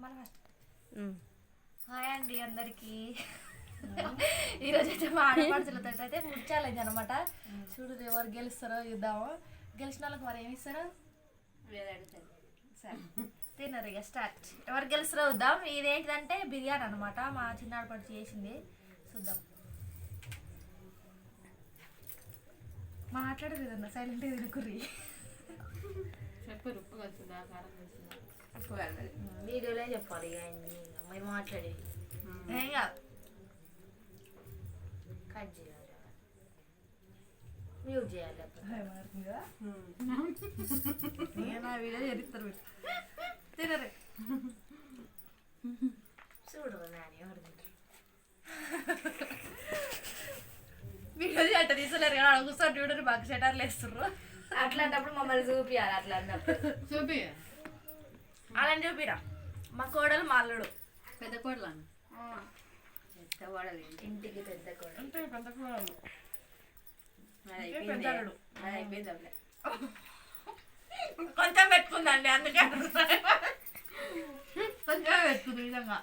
Hi అండి అందరికి. ఈరోజు అయితే మా ఆడపడుచులతో అయితే ఫుడ్ ఛాలెంజ్ అనమాట. చూడు ఎవరు గెలుస్తారో చూద్దాము. గెలిచిన వాళ్ళకి మరి ఏమి ఇస్తారో సరే తిన్నారు. ఇక స్టార్ట్. ఎవరు గెలుస్తారో చూద్దాం. ఇదేంటిదంటే బిర్యానీ అనమాట. మా చిన్న ఆడపడుచు చేసింది. చూద్దాం. మాట్లాడదు కదన్నా, సైలెంట్గా తినుకుర్రి. చెప్పరు ఉప్పు కలుస్తుందా కారం కలుస్తుందా ఉప్పు కలదు. వీడియోలో చెప్పాలి ఇక మీరు మాట్లాడేది. ఏం కాదు. కట్ చేయాలి, మ్యూట్ చేయాలి. నా వీడియో చేస్తారు తినరు. చూడు నాని ఎవరు తింటారు. వీడియో అట్ట తీసలేరు కదా, కూర్చొని చూడరు బాగా షటర్లు వేస్తుర్రు. అట్లాంటప్పుడు మమ్మల్ని చూపియాలి. అట్లా అన్నప్పుడు చూపి అలా చూపిరా. మా కోడలు మా అల్లుడు. పెద్ద కోడలు పెద్ద కోడలు ఇంటికి పెద్ద కోడలు. అంటే పెద్ద కోడలు అయిపోయింది అప్పుడే. కొంచెం పెట్టుకుందండి, అందుకే కొంచెం పెట్టుకుంది నిజంగా.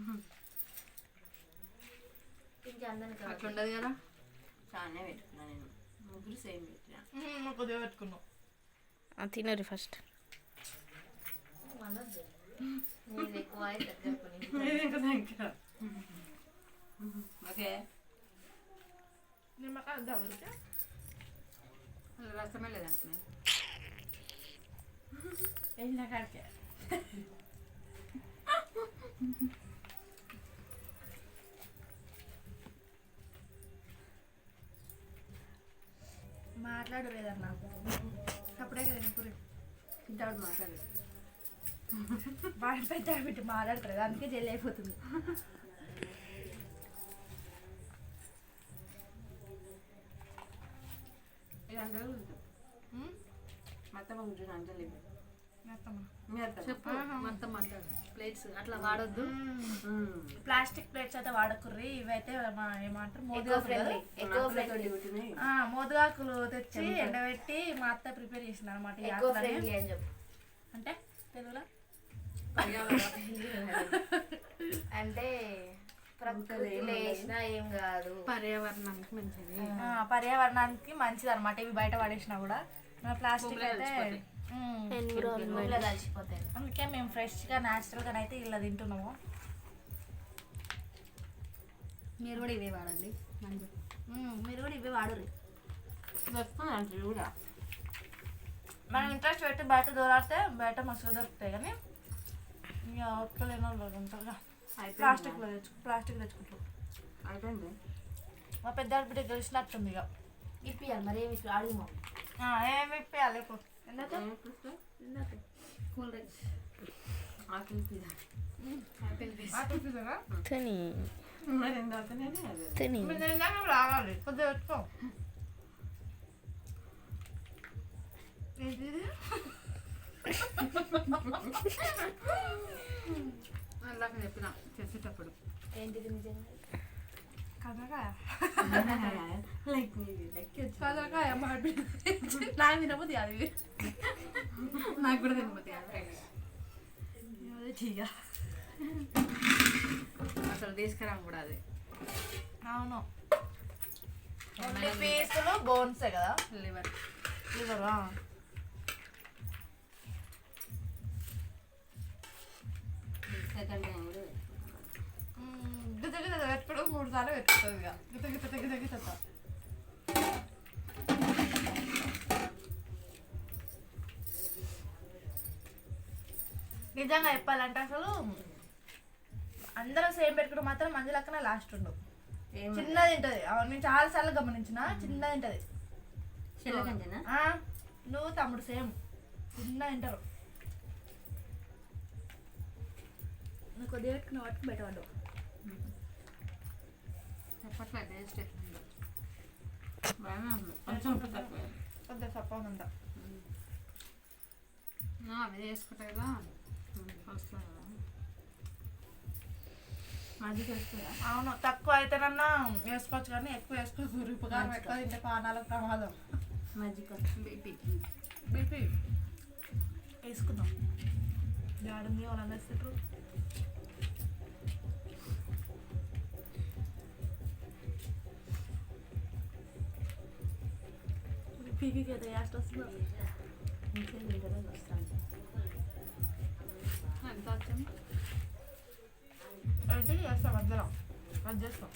ఇంకా అందరికి అట్లా ఉండదు కదా. చాలానే పెట్టుకున్నా నేను. ముగ్గురు సేమ్ పెట్టినా. కొద్దిగా పెట్టుకున్నాం. తినరు ఫస్ట్. మనొద్దు నీది ఎక్కువ అయితే చెప్పు. ఓకే నిమ్మకాయ దవరికి రసమే లేదంటున్నా. వెళ్ళిన కాడికే మాట్లాడు లేదన్నా. అప్పుడే కదా తినకూరి. ఇంతవరకు మాట్లాడలేదు. వాడి పెద్ద పెట్టి మాట్లాడతారు, అందుకే జల్లి అయిపోతుంది. ఇది అందరూ మొత్తం ఉంటుంది అంజలి. చెప్పు. మొత్తం మాట్లాడు. ప్లేట్స్ అట్లా వాడొద్దు. ప్లాస్టిక్ ప్లేట్స్ అయితే వాడకుర్రి. ఇవైతే ఏమంటారు మోదుగాకులు తెచ్చి ఎండబెట్టి మా అత్త ప్రిపేర్ చేసింది అనమాట. అంటే తెలుగులో అంటే ప్రకృతిలో వేసినా ఏం కాదు, పర్యావరణానికి మంచిది. పర్యావరణానికి మంచిది అనమాట. ఇవి బయట పడేసినా కూడా ప్లాస్టిక్ అయితే కలిసిపోతాయి. అందుకే మేము ఫ్రెష్గా న్యాచురల్గా అయితే ఇలా తింటున్నాము. మీరు కూడా ఇవే వాడండి. మీరు కూడా ఇవే వాడరు. దొరుకుతుంది కూడా. మనం ఇంట్రెస్ట్ పెట్టి బయట దూరాడితే బయట మస్తుగా దొరుకుతాయి, కానీ ఇక ఒక్కలేని వాళ్ళు ఉంటారుగా. ప్లాస్టిక్ తెచ్చుకుంటారు. అయిపోయింది. మా పెద్ద బిడ్డ గెలిచినట్టుంది. ఇక ఇప్పియాలి మరి ఏమి అడుగు. ఏమి ఇప్పియాలి ఇప్పుడు. Cool drinks apple pizza. తిని మరి ఎందుకనే తిని రావాలి కొద్దిగా పెట్టుకో. అలాగే చెప్పిన చేసేటప్పుడు ఏంటిది నిజంగా కదలకాయ లైక్ కదలకాయ నాకు తినబోద్ది అది. నాకు కూడా తినబోతుంది. ఠీగా అసలు తీసుకురాము కూడా అది. అవును, ఓన్లీ పీసులు బోన్సే కదా. లివర్ లివరా సెకండ్ టైం కూడా గిత గిత పెట్టుకోవడం 3 సార్లు పెట్టుకుంటుంది. ఇక గిత గిత గిత గిత గిత నిజంగా చెప్పాలంటే అసలు అందరం సేమ్ పెట్టుకుంటే మాత్రం మంది లెక్కన లాస్ట్ ఉండవు. చిన్నది తింటది. నేను చాలా సార్లు గమనించిన, చిన్నది తింటది. నువ్వు తమ్ముడు సేమ్ చిన్న తింటారు. నువ్వు కొద్దిగా పెట్టుకున్న వాటికి బయట పడ్డావు. చెప్పట్లే టేస్ట్ ఎట్లుందో. బాగానే ఉంది. కొంచెం ఉప్పు తక్కువ. కొద్దిగా సప్ప ఉందా. అవి వేసుకుంటా కదా వస్తుంది కదా. మజ్జిగ వేస్తుందా? అవును, తక్కువ అయితేనన్నా వేసుకోవచ్చు, కానీ ఎక్కువ వేసుకోకూడదు. ఉపకారం ఎక్కువ తింటే పానాలకు ప్రమాదం. మజ్జిగ బీపీ బీపీ వేసుకుందాం. గాడుంది వాళ్ళని వేస్తారు పీకి అయితే యాస్ట్ వస్తున్నారు ఇంకేం ఇంటర్వ్యూకి వస్తాను ఎంత వచ్చింది అయితే చేస్తాం మధ్యలో అది చేస్తాం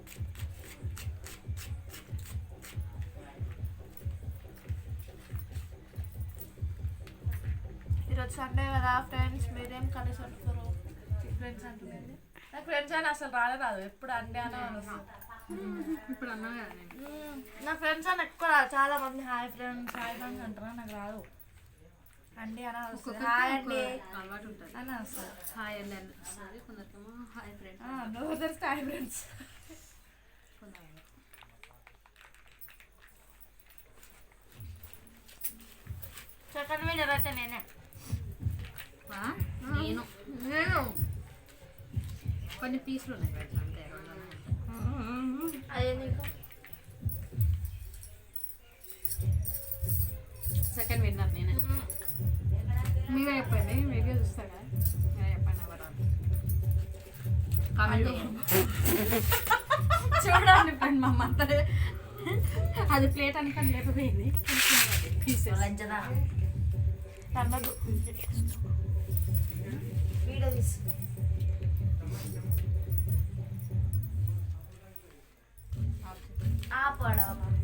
ఈరోజు సండే కదా ఫ్రెండ్స్ మీరేం కలిసి వస్తారు ఫ్రెండ్స్ అంటున్నాండి నాకు ఫ్రెండ్స్ అని అసలు రాదు ఎప్పుడు అండే అనే వస్తుంది ఇప్పుడు అన్నా కదా నేను నా ఫ్రెండ్స్ అని ఎక్కువ చాలా మంది హాయ్ ఫ్రెండ్స్ అంటారా నాకు రాదు అండి అని వస్తుంది హాయ్ అండి అలవాటు ఉంటుంది అని వస్తుంది హాయ్ అండి అని వస్తుంది కొందరికేమో హాయ్ ఫ్రెండ్స్ నువ్వు తెలిస్తే హాయ్ ఫ్రెండ్స్ కొందరు సెకండ్ వీడియో అయితే నేనే నేను నేను కొన్ని పీసులు ఉన్నాయి ఫ్రెండ్స్ అంతే రెండు అదే నీకు సెకండ్ విన్నర్ నేనే మీరే చెప్పండి మీరే చూస్తారు కదా మీరే చెప్పండి ఎవరు కామెంట్ చూడండి ఫ్రెండ్ మా అమ్మ అది ప్లేట్ అనుకోని లేకపోయింది పీసెస్ లంచదా అన్నదు వీడియో తీసి ఆపడా